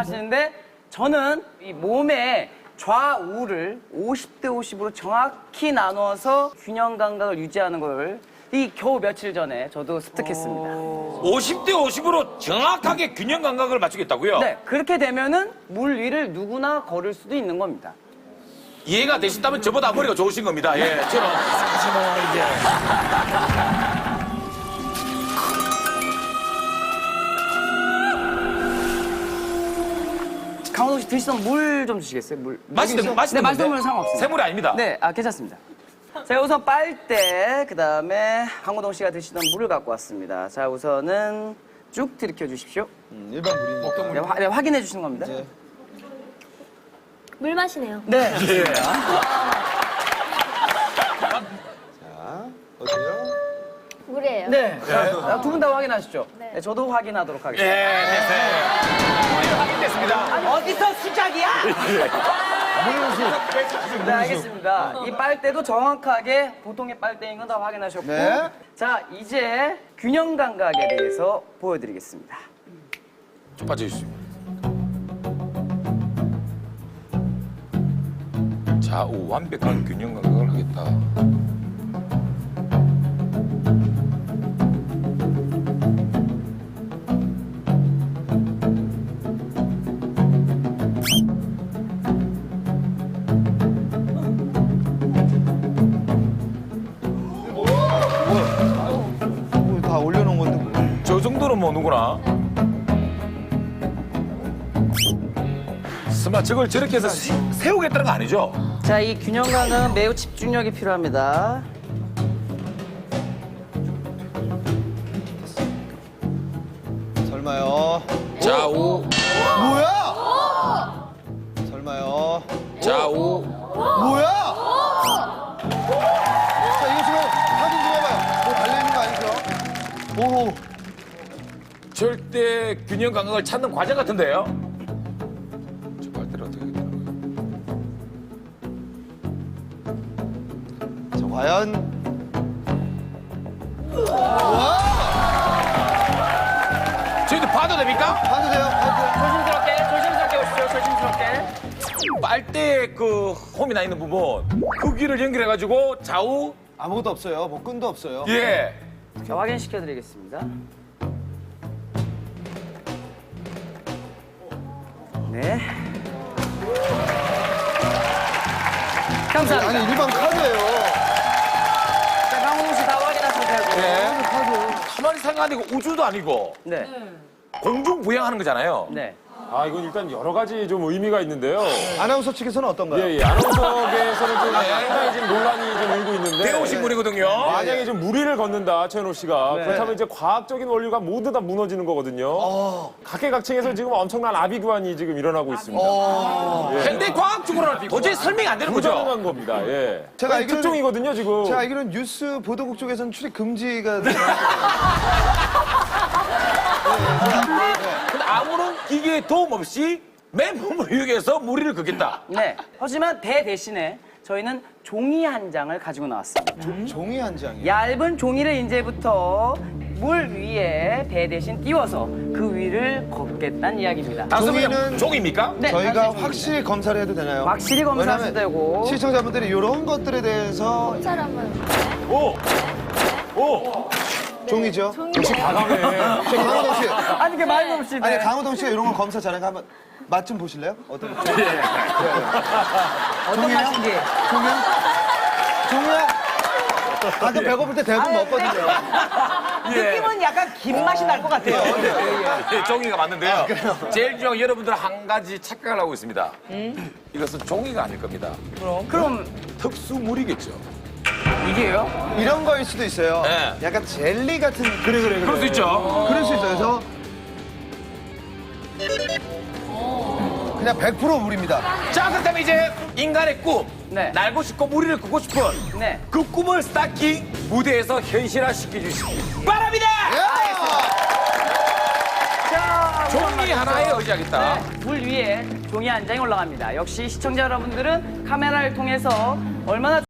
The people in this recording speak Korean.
하시는데 저는 이 몸의 좌우를 50대 50으로 정확히 나눠서 균형 감각을 유지하는 걸 이 겨우 며칠 전에 저도 습득했습니다. 50대 50으로 정확하게 균형 감각을 맞추겠다고요? 네, 그렇게 되면은 물 위를 누구나 걸을 수도 있는 겁니다. 이해가 되신다면 저보다 머리가 좋으신 겁니다. 예, 저는 사실 뭐 이제 강호동 씨 드시던 물 좀 주시겠어요? 물. 맛있는 네, 맛있는 맛있는 건데? 물은 상관없습니다. 새물이 아닙니다. 네, 괜찮습니다. 자, 우선 빨대, 그 다음에 강호동 씨가 드시던 물을 갖고 왔습니다. 자, 우선은 쭉 들이켜 주십시오. 일반 물이니까. 네, 확인해 주시는 겁니다. 네. 물 마시네요. 네. 어때요? 물이에요. 네. 두 분 다 확인하시죠? 네, 저도 확인하도록 예, 하겠습니다. 됐어요. 확인됐습니다. 어디서 수작이야? 네, 알겠습니다. 이 빨대도 정확하게 보통의 빨대인 건 다 확인하셨고. 네. 자, 이제 균형 감각에 대해서 보여드리겠습니다. 좀 빠져주시죠. 좌우 완벽한 균형 감각을 하겠다. 다 올려놓은 건데. 저 정도는 뭐 누구나. 설마 저걸 저렇게 해서 세우겠다는 거 아니죠? 자, 이 균형 감각은 매우 집중력이 필요합니다. 설마요. 좌우, 뭐야? 설마요. 좌우. 뭐야? 자, 이거 지금 확인 좀 해봐요. 뭐 달려있는 거 아니죠? 오. 절대 균형 감각을 찾는 과정 같은데요? 저 발대를 어떻게 하겠다는 거예요? 자, 과연. 와! 저희도 봐도 됩니까? 봐도 돼요? 봐도 돼요? 조심스럽게 오십시오. 조심스럽게. 빨대에 그 홈이 나 있는 부분 그 귀를 연결해가지고 좌우 아무것도 없어요. 뭐 끈도 없어요. 예 자, 확인시켜드리겠습니다. 네. 감사합니다. 아니, 일반 카드예요. 자, 강호동 씨 다 확인하셔도 되고. 예. 카드. 가만히 생각하니까 우주도 아니고 네. 공중 부양하는 거잖아요. 네. 아, 이건 일단 여러 가지 좀 의미가 있는데요. 아나운서 측에서는 어떤가요? 예, 예. 아나운서계에서는 좀 상당히 지금 논란이 좀 일고 있는데. 배우신 분이거든요. 만약에 좀 무리를 걷는다, 최현호 씨가. 네. 그렇다면 이제 과학적인 원리가 모두 다 무너지는 거거든요. 각계각층에서 지금 엄청난 아비규환이 지금 일어나고 있습니다. 현대 과학적으로 도저히 설명이 안 되는 거죠. 부정한 겁니다. 예. 제가 아니, 알기로는- 특종이거든요, 지금. 제가 알기로는 뉴스 보도국 쪽에서는 출입 금지가. 근데 아무런 기계의 도움 없이 맨몸을 이용해서 무리를 걷겠다. 네. 하지만 배 대신에 저희는 종이 한 장을 가지고 나왔습니다. 종이 한 장이요. 얇은 종이를 이제부터 물 위에 배 대신 띄워서 그 위를 걷겠다는 이야기입니다. 단순히 종이는- 그냥 종입니까? 네, 저희가 사실 확실히 검사를 해도 되나요? 확실히 검사하셔도 왜냐면 되고. 시청자분들이 이런 것들에 대해서 검찰 한번. 오! 오! 종이죠. 역시 과감해. 저 강호동 씨. 아니, 그 말도 없이. 아니 네. 강호동 씨가 이런 거 검사 잘하니까 한번 맛 좀 보실래요? 어떤 거? 어떤 맛인지. 종이야? 종이야? 가끔 배고플 때 대부분 먹거든요. 느낌은 약간 김 맛이 날 것 같아요. 예, 종이가 맞는데요. 제일 중요한 건 여러분들 한 가지 착각을 하고 있습니다. 이것은 종이가 아닐 겁니다. 그럼 특수물이겠죠. 이게요? 이런 거일 수도 있어요. 네. 약간 젤리 같은. 그래. 그럴 수 있죠. 그럴 수 있어요. 그래서 그냥 100% 물입니다. 자, 그렇다면 이제 인간의 꿈. 네. 날고 싶고 무리를 걷고 싶은 네. 그 꿈을 스타킹 무대에서 현실화시켜 주시기 바랍니다. 자, 종이 하나에 의지하겠다. 네, 물 위에 종이 한 장이 올라갑니다. 역시 시청자 여러분들은 카메라를 통해서 얼마나